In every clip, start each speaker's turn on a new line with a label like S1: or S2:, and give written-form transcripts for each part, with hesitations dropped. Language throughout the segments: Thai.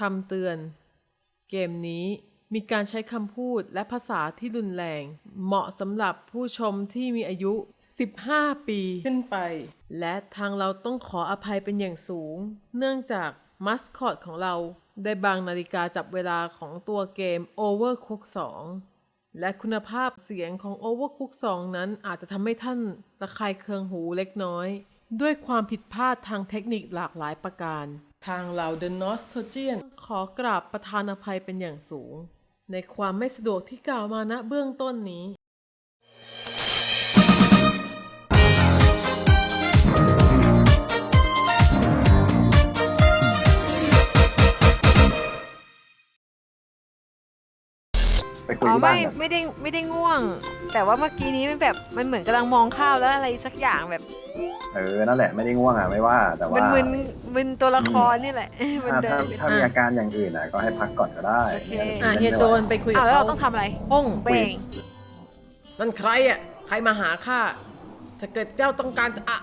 S1: คำเตือนเกมนี้มีการใช้คำพูดและภาษาที่รุนแรงเหมาะสำหรับผู้ชมที่มีอายุ 15 ปีขึ้นไปและทางเราต้องขออภัยเป็นอย่างสูงเนื่องจากมัสคอตของเราได้บางนาฬิกาจับเวลาของตัวเกม Overcooked 2 และคุณภาพเสียงของ Overcooked 2 นั้นอาจจะทำให้ท่านระคายเคืองหูเล็กน้อยด้วยความผิดพลาดทางเทคนิคหลากหลายประการทางเรา The Nostalgian ขอกราบประทานอภัยเป็นอย่างสูงในความไม่สะดวกที่กล่าวมาณเบื้องต้นนี้
S2: ไปคุยที่บ้านกัน
S3: ไม่ได้ง่วง แต่ว่าเมื่อกี้นี้มันแบบมันเหมือนกำลังมองข้าวแล้วอะไรสักอย่างแบบ
S2: นั่นแหละไม่ได้ง่วงอ่ะไม่ว่าแต่ว่า
S3: มึนตัวละครนี่แหละมันเดิน
S2: ถ้ามีอาการอย่างอื่นอ่ะก็ให้พักก่อนก็ได้
S3: โอเค
S1: เฮียโจนไปคุยกับ
S3: แล้ว
S1: เขา
S3: เราต้องทำอะไร
S1: ห้อง
S3: เบ่ง
S1: นั่นใครอ่ะใครมาหาข้าถ้าเกิดเจ้าต้องการจะ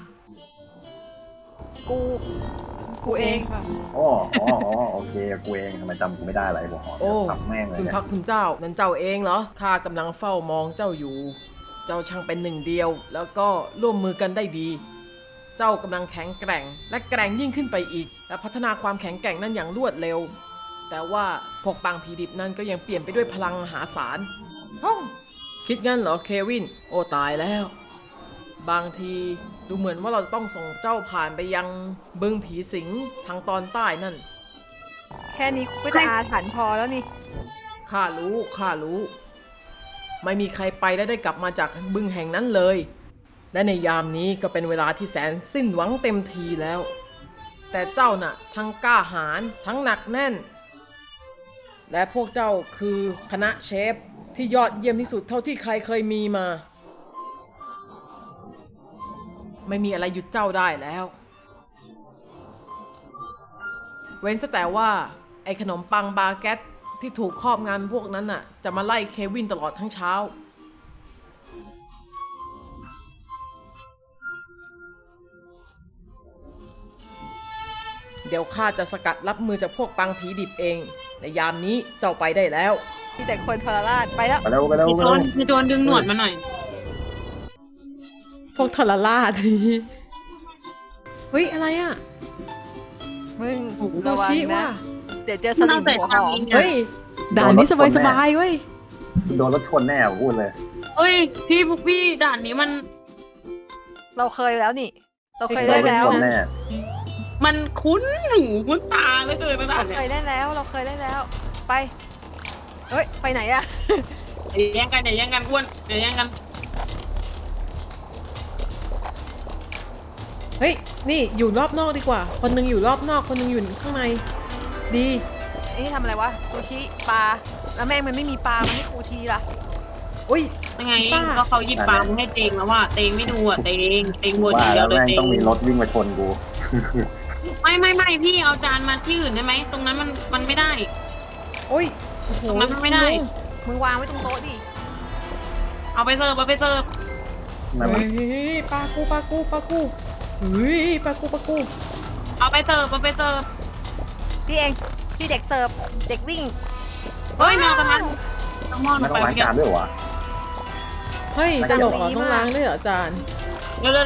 S3: กูเอง
S2: อ๋อโอเคกูเองทำไมจำกูไม่ได้อะไรบอก
S1: โอ้
S2: ทำแม่งเลย
S1: คุณ
S2: เนี่ย
S1: พักคุณเจ้านั่นเจ้าเองเหรอข้ากำลังเฝ้ามองเจ้าอยู่ เจ้าช่างเป็นหนึ่งเดียวแล้วก็ร่วมมือกันได้ดี เจ้ากำลังแข็งแกร่งและแกร่งยิ่งขึ้นไปอีกและพัฒนาความแข็งแกร่งนั้นอย่างรวดเร็วแต่ว่าพวกปางผีดิบนั้นก็ยังเปลี่ยนไปด้วยพลังมหาศาลคิดงั้นเหรอเควินโอ้ตายแล้วบางทีดูเหมือนว่าเราจะต้องส่งเจ้าผ่านไปยังบึงผีสิงทางตอนใต้นั่น
S3: แค่นี้ก็จะอาถรรพ์พอแล้วนี่
S1: ข้ารู้ ไม่มีใครไปและได้กลับมาจากบึงแห่งนั้นเลย และในยามนี้ก็เป็นเวลาที่แสนสิ้นหวังเต็มทีแล้ว แต่เจ้าน่ะทั้งกล้าหาญทั้งหนักแน่น และพวกเจ้าคือคณะเชฟที่ยอดเยี่ยมที่สุดเท่าที่ใครเคยมีมา ไม่มีอะไรหยุดเจ้าได้แล้ว เว้นแต่ว่าไอ้ขนมปังบาเกตที่ถูกครอบงำพวกนั้นน่ะจะมาไล่เควินตลอดทั้งเช้าเดี๋ยวข้าจะสกัดรับมือจากพวกปังผีดิบเองในยามนี้เจ้าไปได้แล้ว
S3: มีแต่คนทรราชไปแล้ว
S2: ไปเร็ว
S4: พี่โจนดึงหนวดมาหน่อย
S1: พวกทรราชเฮ้ยอะไรอ่ะ
S3: มึง
S1: ซู
S3: ระวัง
S1: ชิ
S3: นะ
S1: ว่ะ
S3: เดี๋ยวเจอสลิมหัวหอม
S1: เฮ้ยด่านนี้สบายๆเว้ย
S2: โดนรถชนแน่พูดเลย
S4: เอ้ยพี่ด่านนี้มัน
S3: เราเคยแล้วนี่ เราเคยได้แล้ว
S2: โดนรถชนแน่
S4: มันคุ้นหูคุ้นตาเหลือเกินนะด่าน
S3: เรา
S4: เนี้
S3: เค
S4: ย
S3: ยได้แล้วเราเคยได้แล้ว ไปเฮ้ยไปไหนอะ
S4: อย่าแย่งกันอ้วนอย่าแย่งกัน
S1: เฮ้ยนี่อยู่รอบนอกดีกว่าคนหนึงอยู่รอบนอกคนหนึงอยู่ข้างในดี
S3: นี่ทำอะไรวะซูชิปลาแล้วแม่งมันไม่มีปลามันไม่คูทีล่ะ
S1: อุ้ย
S4: ยังไง
S1: ป้า
S4: ก็เขาหยิบปลาให้เตงแล้วว่าเตงไม่ดูอ่ะเตงบน
S2: ว่า
S4: เดี
S2: แล้
S4: ยว วเลย
S2: แม่ง
S4: เตง
S2: ต้องมีรถวิ่งมาชนกู
S4: ไม่พี่เอาจานมาที่อื่นได้ไหมตรงนั้นมันไม่ได้
S1: โอ้ยโอ้โห
S4: ตรงนั้นมันไม่ได้
S3: มึงวางไว้ตรงโต๊ะดิ
S4: เอาไปเสิร์ฟ
S2: นั่นมัน
S1: เฮ้ยปลากูเฮ้ยปลากู
S4: เอาไปเสิร์ฟ
S3: พี่เองพี่เด็กเสิร์ฟเด็กวิ่ง
S4: เฮ้ยมากระทันต้องมอง
S2: ไม่
S4: ไป
S2: ต้องล้าง
S4: เมื่อกี้
S2: จานด้วยวะ
S1: เฮ้ยจะหลบเหรอต้องล้างด้วยเหรออาจารย์
S4: เร็ว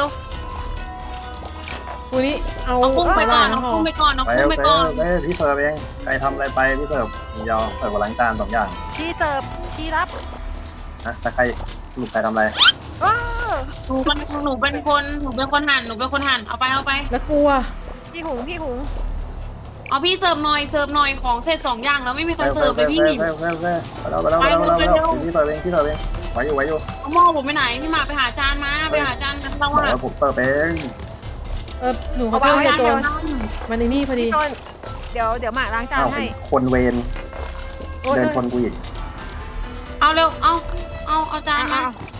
S1: กูนี่เอา
S4: เอากุ้งไปก่อน
S1: สาหร่าย
S4: เอากุ้งไปก่อนเอา
S2: ไป
S4: กุ้งไปก่อน
S2: พี่เสิร์ฟเองใครทำอะไรไปพี่เสิร์ฟยาวเสิร์ฟกับล้างจาน2 อย่าง
S3: ชี้เสิร์ฟชี้รับ
S2: นะแต่ใครลูกใครทำอะไร
S3: ว้าว
S4: หนูเป็นคนหั่นเอาไป
S1: แล้วกลัว
S3: พี่หุง
S4: เอาพี่เสิร์ฟหน่อยของเสร็จ2 อย่างแล้วไม่มีใครเสิร์ฟเลยพี่
S2: ไปแล้วพี่เสิร์ฟเองไว้อยู่
S4: เอาหม้อผมไปไหนพี่มาไปหาจานกันเรา
S2: บอก
S4: อะ
S2: แล้วผมเสิร์ฟเอง
S1: หนูเขาเจอเฮียโจนมันในนี่พอดี
S3: พี่ต้นเดี๋ยวหมากล้างจาน
S2: อ้าว
S3: ให้
S2: คนเวร
S1: โอ้ย
S2: เดินชนกูอีก
S4: เอาเร็วเอาจานมา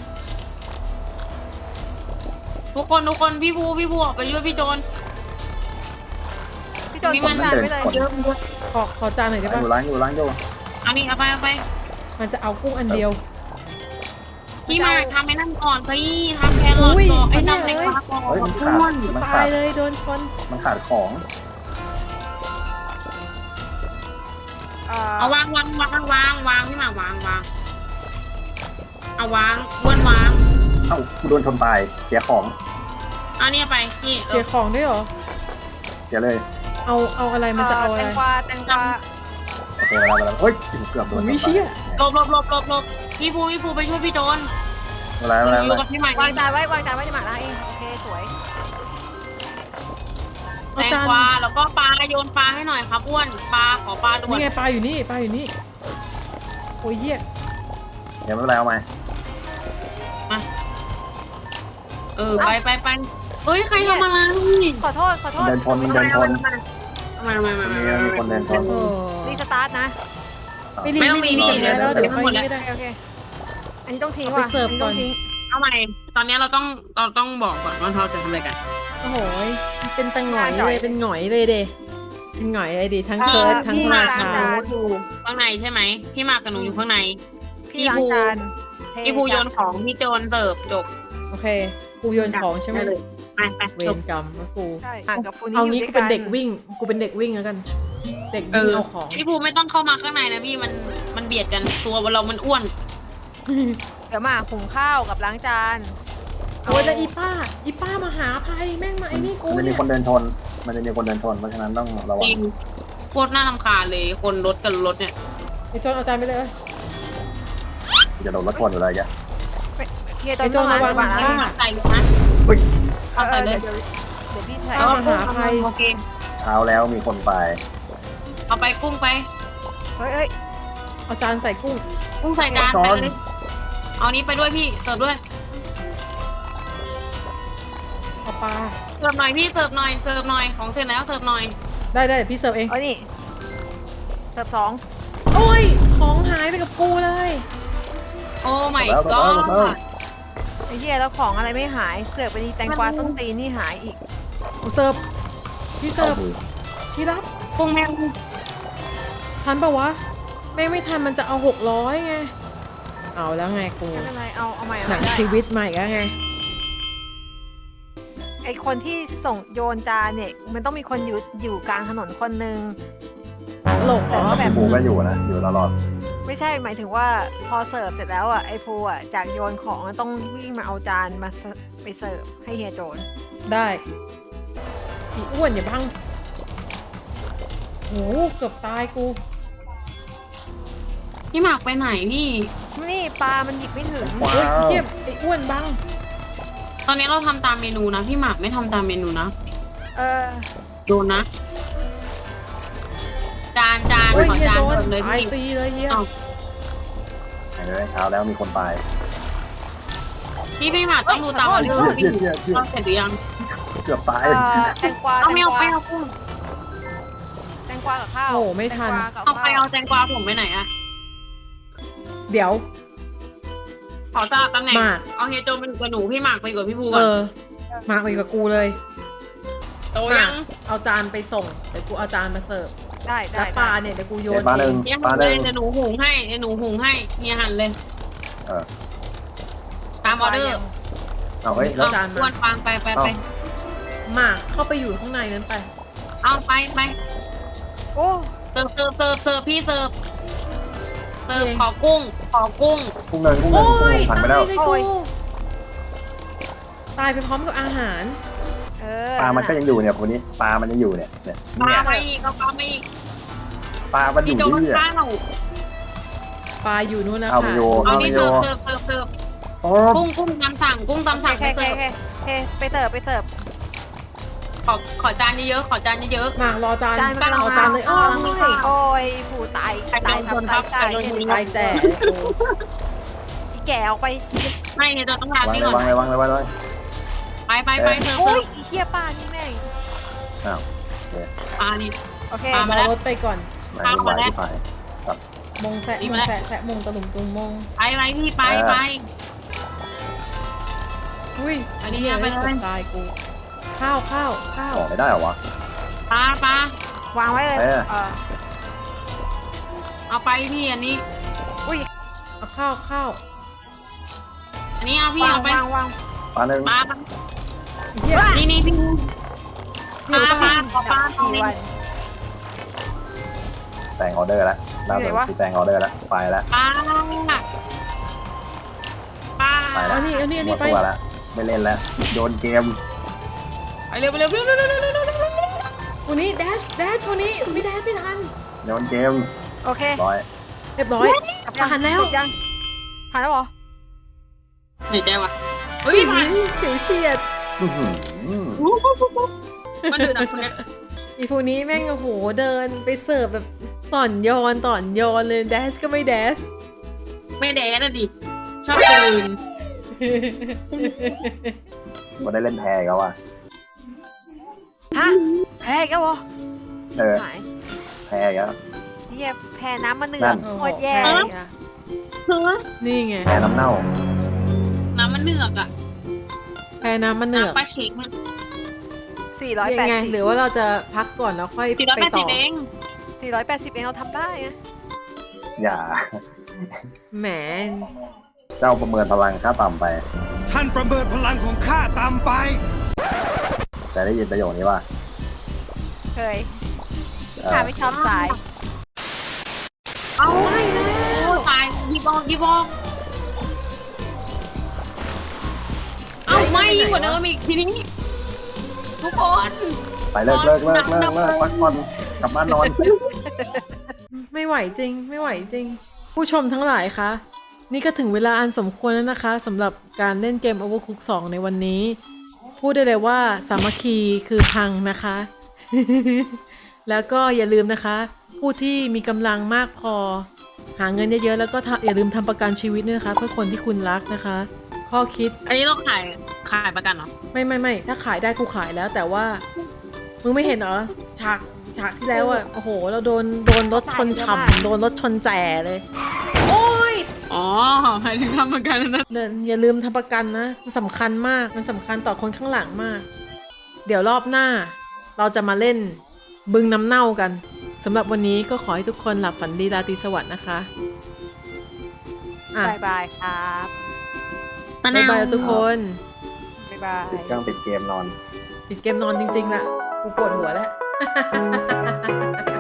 S4: ทุกคนพี่บูออกไปช่วยพี่โจน
S3: พี่โจนล้างจานไว้เลย
S4: เยอะ
S1: ขอจานหน่อยได้ปะ
S2: ล้างอยู่
S4: อันนี้เอาไป
S1: มันจะเอากุ้งอันเดียว
S4: พี่มาทำไอ้นั่นก่อนพี่ทำแครอทก่อนไอ้น้ำแตงกวาก่อน
S2: เฮ้ยมัน
S4: อ้
S2: ขา
S4: ว
S2: ด
S4: น
S2: มัน
S1: ตา
S2: ขาด
S1: ยเลยโดนชน
S2: มันขาดของ
S4: เอาวางพี่หมากวางเอาวางอ้วนวาง
S2: เอ้ากูโดนชนตายเสียของ
S4: เอาเนี่ยไปนี่
S1: เสียของด้วยเหรอ
S2: เสียเลย
S1: เอาอะไรมันจะเอาอะไร
S3: แตงกวา
S2: โอเคมาแล้วเฮ้ยเกือบโดน
S1: วิเชี่ย
S4: หลบพี่ภูไปช่วยพี่โจน
S2: อะไร
S4: อยู่กับพี่ใหม่
S3: วางจานไว้ในหมาล่าเองโอเคสวย
S4: แตงกวาแล้วก็ปลาโยนปลาให้หน่อยครับอ้วนปลาขอปลาด่ว
S1: นี่
S4: น
S1: ไงปลาอยู่นี่โอ้ยเหี้ย
S2: เดี๋ยวไม่เป็นไรเอาไหม
S4: มาไปเฮ้ยใครทำอะไร
S3: ขอโทษ
S2: เดินชน
S4: มา
S2: มีคนเดินชน
S1: โอ้
S3: รีสตาร์ทนะ
S4: ไม่ต้องมีพี่เดี๋ยว
S1: เดี๋ยว
S4: ทั้งหมดแล้ว
S1: ไม่ได้
S3: โอเคอันนี้ต้องทิ้ง
S1: เอาไป
S3: ว่ะ
S1: เสิร์ฟ
S3: อันนี้ต้อง
S1: ก่อน
S3: ทิ้ง
S4: เอาใหม่ตอนนี้เราต้องบอกก่อนว่าเราจะทำอะไรกัน
S1: โอ้โหเป็นตังหงอยเลยเป็นหงอยเลยเดเป็นหงอยเลยดิทั้งเคิร์ดทั้ง
S4: พี่
S1: รา
S4: มา
S1: ชา
S4: กับหนูอยู่ข้างในใช่ไหมพี่มากับหนูอยู่ข้างใน
S3: พี่ล้างจานเท
S4: พี่ภูโยนของพี่โจนเสิร์ฟจบ
S1: โอเคกูโยนของใช่ไหม
S4: ไป
S1: เว
S4: จบ
S1: รกรรมนะกู
S3: ใช่ห่างกับฟูนี่
S1: เอา
S3: อยู่
S1: งี้
S3: ด้
S1: กู
S3: วย
S1: เป็นเด็กวิ่งกูเป็นเด็กวิ่งแล้วกัน เด็กวิ่งเอาของ
S4: พี่ภูไม่ต้องเข้ามาข้างในนะพี่มันเบียดกันตัวเรามันอ้วน
S3: เดี๋ยวมาหุงข้าวกับล้างจาน
S1: โอ้ยแล้วอีป้ามาหาภัยแม่งมาไอ้นี่กู
S2: มันจะมี
S1: เนี่ย
S2: คนเดินชนเพราะฉะนั้นต้องระวั
S4: จ
S2: ง
S4: ริงโคตรน่ารำคาญเลยคนรถกับรถเนี่ย
S1: ไอ้โจนเอาจานไปเลย
S2: จะโดนรถชนอยู่เลยแก
S3: เฮียโจนต้องล้าง
S1: ไอ้โจนระวัง
S3: จาน
S1: นะ
S4: ใส่เลยนะ
S2: เฮ้ย
S4: เอาใส่เลย
S3: เดี๋ยวพี่ใส่
S4: เอากุ้งโอเค
S2: เช้าแล้วมีคนไป
S4: เอาไปกุ้งไป
S3: เฮ้ย
S1: เอาจานใส่กุ้ง
S4: กุ้งใส่จานไปเลยเอานี้ไปด้วยพี่เสิร์ฟด้วย
S1: เอาปลา
S4: เสิร์ฟหน่อยพี่เสิร์ฟหน่อยของเสร็จแล้วเสิร์ฟหน่อย
S1: ได้เดี๋ยวพี่เสิร์ฟเอง
S3: เอานี่เสิร์ฟ2
S1: โอ้ยของหายไปกับกูเลย
S4: โอ้ my
S2: แล้ว
S4: god
S3: ไอ้เฮียแล้วของอะไรไม่หายเสิร์ฟไปดีแตงกวาส้นตีนนี่หายอีก
S1: กูเสิร์ฟพี่เสิร์ฟชีรับ
S4: กุ้งแม่ง
S1: ทันปะวะแม่งไม่ทันมันจะเอา600ไงเอาแล้วไงกู
S3: ไม่เป็นไรเอาใหม่
S1: หนัง
S3: ได้
S1: ชีวิตใหม่แล้วไง
S3: ไอคนที่ส่งโยนจานเนี่ยมันต้องมีคนอยู่กลางถนนคนหนึ่ง
S1: หลงอ๋อ
S3: แต่ก็แบบ
S2: ภูก็อยู่นะอยู่ตลอด
S3: ไม่ใช่หมายถึงว่าพอเสิร์ฟเสร็จแล้วอ่ะไอภูอ่ะจากโยนของต้องวิ่งมาเอาจานมาไปเสิร์ฟให้เฮียโจน
S1: ได้อีอ้วนอย่าบังโหเกือบตายกู
S4: พี่หมากไปไหนพี่
S3: นี่ปลามันหยิบไม่ถึง
S2: ว้า
S1: เฮ้ยว เทียบไอ้อ้วนบัง
S4: ตอนนี้เราทำตามเมนูนะพี่หมากไม่ทำตามเมนูนะ
S3: เออ
S4: โดนนะ จาน
S1: เฮ้ย
S4: ขอ
S1: เฮีย
S4: จาน
S1: โดน
S4: ก่อนเลย
S1: ตาย
S4: พี่
S1: ฟรีเลยเฮีย
S4: เอา
S2: เช้าแล้วมีคนไป
S4: พี่หมากต้องดูตามออเดอร์พี่เราเสร็จหรือยัง
S2: เกือบตาย
S3: แตงกวา
S4: เอาไม่เอาไปเอากุ้ง
S3: แตงกวากับข้าว
S1: โอ้ไม่ทัน
S3: แตงกวากับ
S4: เอาไป
S3: ข้าว
S4: เอาแตงกวาผมไปไหนอะ
S1: เดี๋ยว
S4: ขอสลับตำแหน่ง
S1: หมาก
S4: เอาเฮียโจไปอยู่กับหนูพี่หมากไปอยู่กับพี่ภู
S1: เอ
S4: ก่อน
S1: อมาไปกับกูเลย
S4: โตยัง
S1: เอาจานไปส่งเดี๋ยวกูเอาจานมาเสิร์ฟ
S3: ได้
S1: แล้วปลาเนี่ยเดี๋ยวกูโย
S2: เจ็
S1: น
S2: ดปลาห
S1: เอ
S2: นึ่ง
S1: ง
S4: เฮีย
S2: ปลา
S4: หั่น
S2: ห
S4: เล
S2: นึ่
S4: ย
S2: ง
S4: เดี๋ยวหนูหุงให้เฮียหั่นเลย
S2: เออ
S4: ตามออเดอร์
S2: เอาเฮ้ยแล้ว
S4: เอาอ้วนฟังไป
S1: หมากเข้าไปอยู่ข้างในนั้นไป
S4: เอาไป
S3: โอ้
S4: เสิร์ฟพี่เสิร์ฟขอกุ้ง
S2: กุ้งเงินผ่านไปแล้ว
S1: ตายเลยกูตายไปพร้อมกับอาหาร
S2: ปลามันก็ยังอยู่เนี่ยคนนี้ปลามันยังอยู่เนี่ย
S4: ปลาไปอีกเอาปลาไปอีก
S2: ปลามันอ
S4: พี่
S2: ยู่
S4: โจ
S2: ที่
S4: มัน
S2: นี่
S4: ข้าว
S1: ปลาอยู่นู่นนะ
S2: เอา
S1: คะ
S2: ไปโย
S4: เอานี่เสิร์ฟ
S2: โอ้
S4: กุ้งตำสั่งไป
S3: โอเค
S4: เสิร์ฟ
S3: ไปเสิร์ฟ
S4: ขอจานเยอะๆขอจานเยอะ
S1: หมากรอจาน
S3: จานมัน
S1: รอจานเลยอ้อ
S4: ไม่
S1: ย
S4: ใช่
S3: โอ้ยผูตาย
S4: ไข่โดนชนครับไข่โดนชน
S1: ตายแจ๋กู
S3: อีแก่ออกไป
S4: ๆไม่เนี่ยต้องทาน
S2: วาง
S4: นี่
S2: เลย
S4: ก่อน
S2: วางเลย
S4: ไปเสิร์ฟ
S3: โอ้ยอีเฮียปลานี่แม่ง
S2: อ้าว
S4: ปลานี่
S3: โอเค
S4: ปลา
S1: รอรถไปก่อน
S2: ไม่ไหวที่ไป
S1: มงแสะแสะมงตะลุมตุงมง
S4: ไปพี่ไป
S1: อุ้ย
S4: อันนี้
S1: เหี้ย
S4: ไปเลย
S1: กือบตายกู ข้าว
S2: ออกไม่ได้เหรอวะ
S4: ปลา
S3: วางไว้เลย
S4: เอาไปพี่อันนี้
S3: อุ้ย
S1: เอาข้าว
S4: อันนี้เอาพี่เอาไป
S3: วาง
S2: ปลาหนึ่ง
S4: ปลา
S1: เฮีย
S4: นี่พี่
S1: เฮีย
S4: ปลาขอปลาตรงนี้
S3: วัน
S2: แซงออเดอร์แล้วล่าสุดที่แซงออเดอร์แล้วไปแล้ว
S4: ป้าป้า
S2: ไปแล้ว
S1: อันนี้
S2: หมด
S1: ไป
S2: ตัวแล้วไม่เล่นแล้วโยนเกม
S4: ไปเร็วไปเร็วเร็วเร็วเร็วเร็วเร็วเร็ว
S1: วันนี้แดชวันนี้ไม่แดชไม่ทัน
S2: โยนเกม
S3: โอเค
S2: ร้อย
S1: เรียบร้อยผ่านแล้ว
S3: ติดยังผ่านแล้วเหรอ
S4: เหนื่อยใจว่ะเฮ้ยผ่าน
S1: เฉียวเฉียด
S2: อื้อหือ
S4: มันดื้อนะคนเนี้ย
S1: อีพวกนี้แม่งโอ้โหเดินไปเสิร์ฟแบบต่อนโยนเลยแดชก็ไม่แดช
S4: ไม่แดดนะดิชอบตื่น
S2: มาได้เล่นแพ้อีก็ว่า
S3: ฮะแพ้อีก็วะ
S2: เออ
S3: หาย
S2: แพ้อีก็
S3: เฮียแพ้น้ำมันเหนื
S2: นั่
S3: อก
S2: น
S3: โคตรแย่
S1: เออ
S4: เฮ้ย
S1: นี่ไง
S2: แพ้น้ำเน่า
S4: น้ำมันเหนือกอ่ะ
S1: แพ้น้ำมันเหนือก
S4: น้ำปลาเช็คมัน
S1: ยังไง
S3: 480
S1: หรือว่าเราจะพักก่อนแล้วค่อย
S4: 480
S1: ไปต่อ
S4: เอง
S3: 480เองเราทำได้ไง
S2: อย่า
S1: แหม
S2: เจ้าประเมินพลังค่าต่ำไป
S5: ท่านประเมินพลังของข้าตามไป
S2: แต่ได้ยินประโยคนี้ว่า
S3: เคยข้าไม่ชอบสาย
S4: เอาไม่แล้วตายยีบองเอาไม่ยิ่งกว่าเดิมอีกทีนี้ทุกคน
S2: ไปเลิกพักผ่อนกลับบ้านนอน
S1: ไม่ไหวจริง ไม่ไหวจริง ผู้ชมทั้งหลายคะ นี่ก็ถึงเวลาอันสมควรแล้วนะคะสำหรับการเล่นเกม Overcooked 2 ในวันนี้ พูดได้เลยว่าสามัคคีคือพังนะคะ แล้วก็อย่าลืมนะคะ ผู้ที่มีกำลังมากพอ หาเงินเยอะๆแล้วก็อย่าลืมทำประกันชีวิตด้วยนะคะ เพื่อคนที่คุณรักนะคะ ข้อคิด
S4: อันนี้เราขายประกันเหรอ
S1: ไม่ถ้าขายได้กูขายแล้วแต่ว่ามึงไม่เห็นเหรอฉากที่แล้วอ่ะโอ้โหเราโดนรถชนฉ่ำโดนรถชนแจ่เลย โอ้ย
S4: อ๋อหมายถึงทำประกันนะ
S1: อย่าลืมทำประกันนะมันสำคัญมากมันสำคัญต่อคนข้างหลังมาก เดี๋ยวรอบหน้า เราจะมาเล่นบึงน้ำเน่ากันสำหรับวันนี้ก็ขอให้ทุกคนหลับฝันดีราตรีสวัสดิ์นะคะอ่ะ
S3: บายบายครับ
S4: ตะ
S1: บ๊าย
S4: นาว
S1: บายทุกคน
S3: บายบาย
S2: ติดเครื่องติดเกมนอน
S1: ปิดเกมนอนจริงๆล่ะกูปวดหัวแล้ว